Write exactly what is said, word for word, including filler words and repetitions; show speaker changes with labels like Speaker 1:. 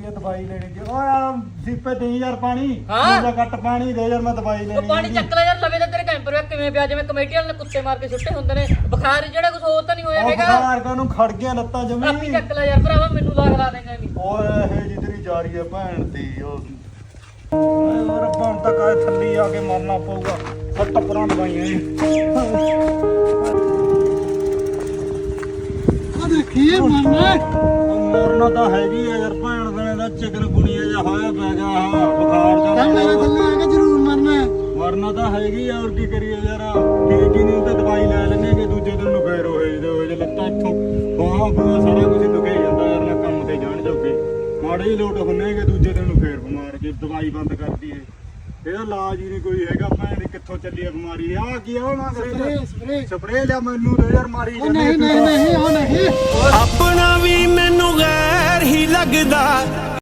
Speaker 1: ਰੁਪਏ ਦਵਾਈ ਲੈਣੀ ਜੀ। ਓਏ ਆ ਸੀਪੇ ਦੇ ਯਾਰ ਪਾਣੀ
Speaker 2: ਹਾਂ?
Speaker 1: ਦਾ ਕੱਟ ਪਾਣੀ ਦੇ ਯਾਰ ਮੈਂ ਦਵਾਈ
Speaker 2: ਉਹ
Speaker 1: ਲੈਣੀ
Speaker 2: ਪਾਣੀ ਚੱਕ ਲੈ ਯਾਰ ਲਵੇ ਤਾਂ ਤੇਰੇ ਕੈਂਪਰ ਵਿੱਚ ਕਿਵੇਂ ਪਿਆ ਜਿਵੇਂ ਕਮੇਟੀ ਵਾਲੇ ਨੇ ਕੁੱਤੇ ਮਾਰ ਕੇ ਸੁੱਟੇ ਹੁੰਦੇ ਨੇ ਬੁਖਾਰ ਜਿਹੜਾ ਕੁਝ ਹੋਰ ਤਾਂ ਨਹੀਂ ਹੋਇਆ ਹੈਗਾ
Speaker 1: ਬੁਖਾਰ ਕਾ ਨੂੰ ਖੜ ਗਿਆ ਲੱਤਾਂ
Speaker 2: ਆਪੀ
Speaker 1: ਜਮੀ
Speaker 2: ਚੱਕ ਲੈ ਯਾਰ ਭਰਾਵਾ ਮੈਨੂੰ ਲਾਗ ਲਾ ਦੇਗਾ ਵੀ
Speaker 1: ਓਏ ਇਹ ਜਿੱਦਰੀ ਜਾ ਰਹੀ ਹੈ ਭੈਣ ਦੀ ਉਹ ਓਏ ਹੋਰ ਹੁਣ ਤੱਕ ਆ ਥੱਲੀ ਆ ਕੇ ਮਰਨਾ ਪਊਗਾ ਸੱਟ ਪਰਾਂ ਦਵਾਈਆਂ
Speaker 3: ਆ ਦੇਖੀਏ ਮਰਨਾ
Speaker 1: ਮਰਨਾ ਤਾਂ ਹੈਗੀ ਆ ਯਾਰ ਭੈਣ ਦੇ ਦਾ ਚਿਕਨ ਗੁਣੀਆ ਜਿਹਾ ਹੋਇਆ ਪੈ ਗਿਆ ਆਹ ਬੁਖਾਰ
Speaker 3: ਤਾਂ
Speaker 1: ਦਾ
Speaker 3: ਮੇਰੇ ਥੱਲੇ ਆ ਕੇ ਜ਼ਰੂਰ ਮਰਨਾ
Speaker 1: ਮਰਨਾ ਤਾਂ ਹੈਗੀ ਆ ਹੋਰ ਕੀ ਕਰੀਏ ਯਾਰ ਠੀਕ ਹੀ ਨਹੀਂ ਤਾਂ ਦਵਾਈ ਲੈ ਲੈਣੇ ਕਿ ਦੂਜੇ ਦਿਨ ਨੂੰ ਫੇਰ ਹੋਏ ਜਿਹਦੇ ਹੋਏ ਜੇ ਲੱਤਾਂ ਇੱਥੋਂ ਬਾਹਾਂ ਬੂਹਾਂ ਸਾਰਾ ਕੁਝ ਦੁਖੇ ਜਾਂਦਾ ਯਾਰ ਨਾ ਕੰਮ ਤੇ ਜਾਣ ਜੋਗੇ ਮਾੜੇ ਹੀ ਲੋਟ ਹੁੰਨੇ ਕਿ ਦੂਜੇ ਦਿਨ ਨੂੰ ਫੇਰ ਬਿਮਾਰ ਜੇ ਦਵਾਈ ਬੰਦ ਕਰਦੀ ਏ ਇਹਦਾ ਇਲਾਜ ਹੀ ਨਹੀਂ ਕੋਈ ਹੈਗਾ ਭੈਣ ਦੀ ਕਿੱਥੋਂ ਚੱਲੀ ਆ ਬਿਮਾਰੀ ਆ ਕੀ ਆ ਨਾ
Speaker 3: ਸਪਰੇ ਸਪਰੇ
Speaker 1: ਸਪਰੇ ਲਿਆ ਮੈਨੂੰ ਤੇ ਯਾਰ ਮਾਰੀ
Speaker 3: ਉਹ ਨਹੀਂ ਨਹੀਂ ਨਹੀਂ ਉਹ ਨਹੀਂ
Speaker 4: ਆਪਣਾ ਵੀ ਮੈਨੂੰ ਗੈਰ ਹੀ ਲੱਗਦਾ।